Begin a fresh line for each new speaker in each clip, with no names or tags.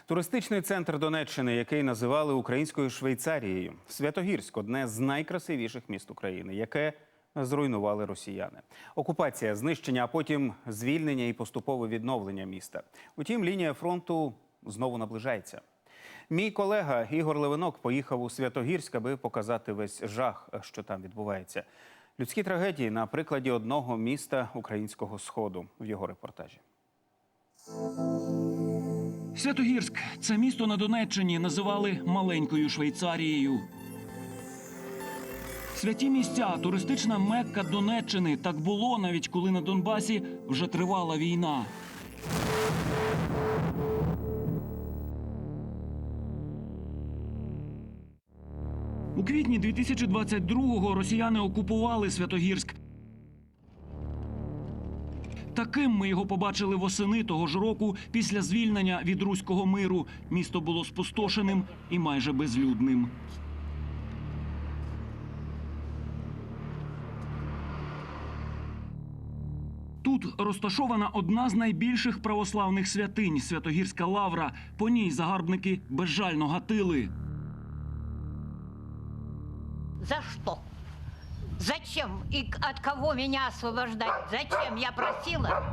Туристичний центр Донеччини, який називали українською Швейцарією. Святогірськ – одне з найкрасивіших міст України, яке зруйнували росіяни. Окупація, знищення, а потім звільнення і поступове відновлення міста. Утім, лінія фронту знову наближається. Мій колега Ігор Левинок поїхав у Святогірськ, аби показати весь жах, що там відбувається. Людські трагедії на прикладі одного міста українського Сходу в його репортажі.
Святогірськ – це місто на Донеччині називали маленькою Швейцарією. Святі місця – туристична Мекка Донеччини. Так було, навіть коли на Донбасі вже тривала війна. У квітні 2022-го росіяни окупували Святогірськ. Таким ми його побачили восени того ж року після звільнення від Руського миру. Місто було спустошеним і майже безлюдним. Тут розташована одна з найбільших православних святинь – Святогірська лавра. По ній загарбники безжально гатили.
За что? Зачем и от кого меня освобождать? Зачем? Я просила.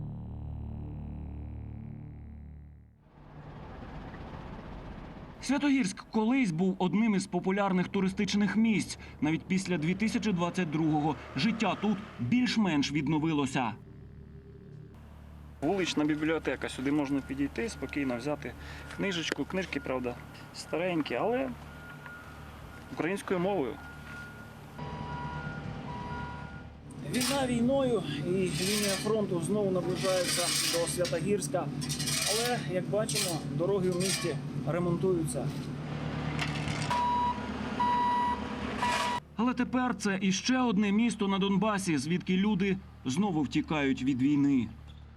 Святогірськ колись був одним із популярних туристичних місць. Навіть після 2022-го життя тут більш-менш відновилося.
Вулична бібліотека. Сюди можна підійти, спокійно взяти книжечку. Книжки, правда, старенькі, але українською мовою. Війна війною, і лінія фронту знову наближається до Святогірська. Але, як бачимо, дороги в місті ремонтуються.
Але тепер це іще одне місто на Донбасі, звідки люди знову втікають від війни.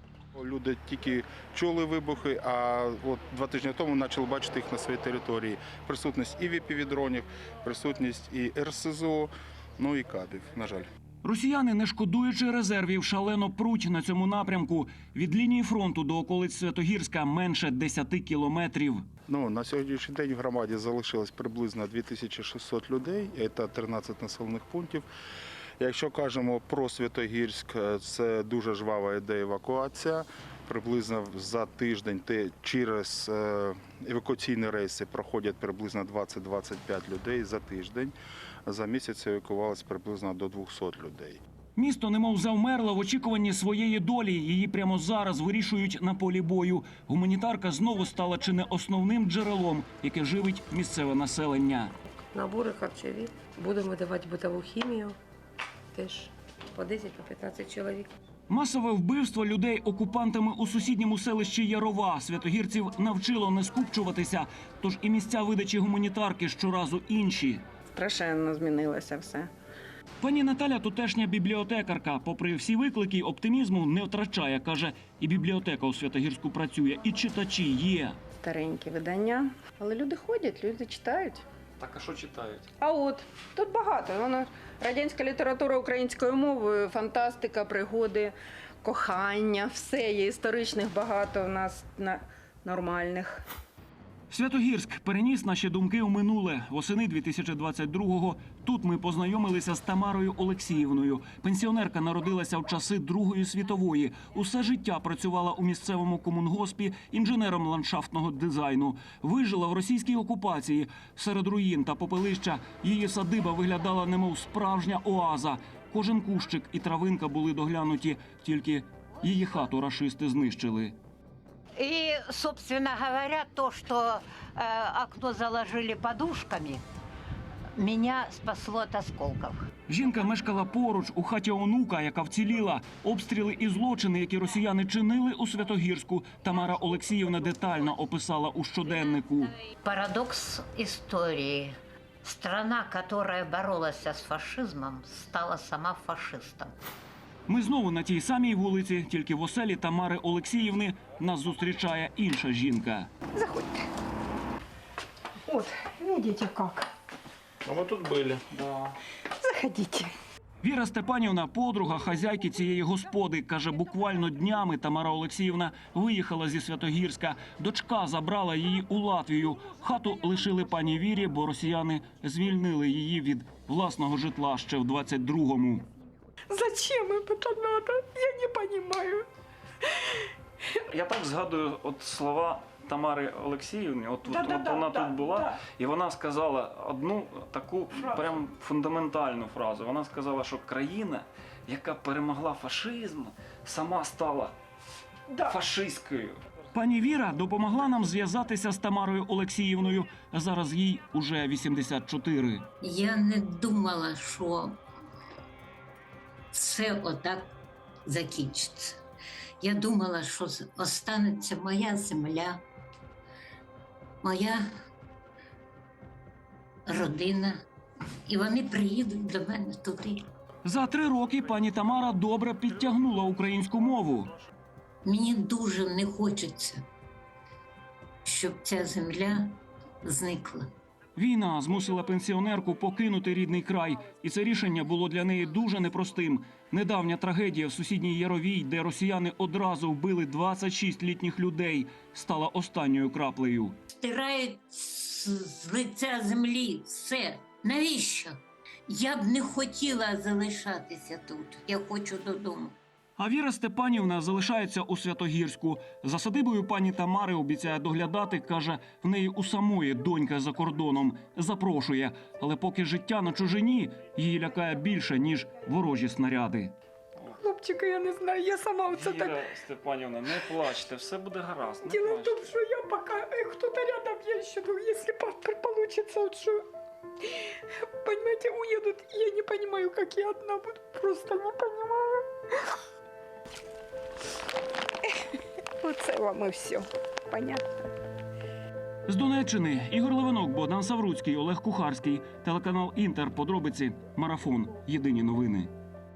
Люди тільки чули вибухи, а от 2 тижні тому почали бачити їх на своїй території. Присутність і ВПВ-дронів, присутність і РСЗО, ну і кабів, на жаль.
Росіяни, не шкодуючи резервів, шалено пруть на цьому напрямку. Від лінії фронту до околиць Святогірська менше 10 кілометрів.
На сьогоднішній день в громаді залишилось приблизно 2600 людей, це 13 населених пунктів. Якщо кажемо про Святогірськ, це дуже жвава ідея евакуація. Приблизно за тиждень через евакуаційні рейси проходять приблизно 20-25 людей за тиждень. За місяць евакувалось приблизно до 200 людей.
Місто немов завмерло в очікуванні своєї долі. Її прямо зараз вирішують на полі бою. Гуманітарка знову стала чи не основним джерелом, яке живить місцеве населення.
Набори харчові. Будемо видавати битову хімію. Теж по 10-15 чоловік.
Масове вбивство людей окупантами у сусідньому селищі Ярова святогірців навчило не скупчуватися, тож і місця видачі гуманітарки щоразу інші.
Страшенно змінилося все.
Пані Наталя – тутешня бібліотекарка. Попри всі виклики, оптимізму не втрачає. Каже, і бібліотека у Святогірську працює, і читачі є.
Старенькі видання. Але люди ходять, люди читають.
Так, а що читають?
А от, тут багато. Воно радянська література українською мовою, фантастика, пригоди, кохання, все є. Історичних багато у нас нормальних.
Святогірськ переніс наші думки у минуле. Восени 2022-го тут ми познайомилися з Тамарою Олексіївною. Пенсіонерка народилася в часи Другої світової. Усе життя працювала у місцевому комунгоспі інженером ландшафтного дизайну. Вижила в російській окупації. Серед руїн та попелища її садиба виглядала немов справжня оаза. Кожен кущик і травинка були доглянуті, тільки її хату рашисти знищили.
И, собственно говоря, то, что окно заложили подушками, меня спасло от осколков.
Жінка мешкала поруч, у хаті онука, яка вціліла. Обстріли і злочини, які росіяни чинили у Святогірську, Тамара Олексіївна детально описала у щоденнику.
Парадокс истории. Страна, которая боролась с фашизмом, стала сама фашистом.
Ми знову на тій самій вулиці, тільки в оселі Тамари Олексіївни нас зустрічає інша жінка.
Заходьте. От, видите как.
А ми тут були.
Заходите.
Віра Степанівна, подруга хазяйки цієї господи, каже, буквально днями Тамара Олексіївна виїхала зі Святогірська. Дочка забрала її у Латвію. Хату лишили пані Вірі, бо росіяни звільнили її від власного житла ще в 22-му.
Зачем им это надо? Я не понимаю.
Я так згадую от слова Тамари Олексіївни, от
Да-да-да,
вона
да,
тут була,
да.
і вона сказала одну таку
Фразу.
прям фундаментальну фразу. Вона сказала, що країна, яка перемогла фашизм, сама стала
Да.
фашистською. Пані Віра допомогла нам зв'язатися з Тамарою Олексіївною. Зараз їй уже 84.
Я не думала, що все отак закінчиться. Я думала, що останеться моя земля, моя родина, і вони приїдуть до мене туди.
За 3 роки пані Тамара добре підтягнула українську мову.
Мені дуже не хочеться, щоб ця земля зникла.
Війна змусила пенсіонерку покинути рідний край, і це рішення було для неї дуже непростим. Недавня трагедія в сусідній Яровій, де росіяни одразу вбили 26 літніх людей, стала останньою краплею.
Стирають з лиця землі все. Навіщо? Я б не хотіла залишатися тут. Я хочу додому.
А Віра Степанівна залишається у Святогірську. За садибою пані Тамари обіцяє доглядати, каже, в неї у самої донька за кордоном. Запрошує, але поки життя на чужині, її лякає більше, ніж ворожі снаряди.
Хлопчика, я не знаю, я сама оце так...
Степанівна, не плачте, все буде гаразд.
Дело в том, что я пока... кто-то рядом, я еще думаю, если получится, вот что... Понимаете, уедут, я не понимаю, как я одна буду. Просто не понимаю. Оце вам і все. Понятно.
З Донеччини Ігор Левинок, Богдан Савруцький, Олег Кухарський. Телеканал «Інтер». Подробиці. Марафон. Єдині новини.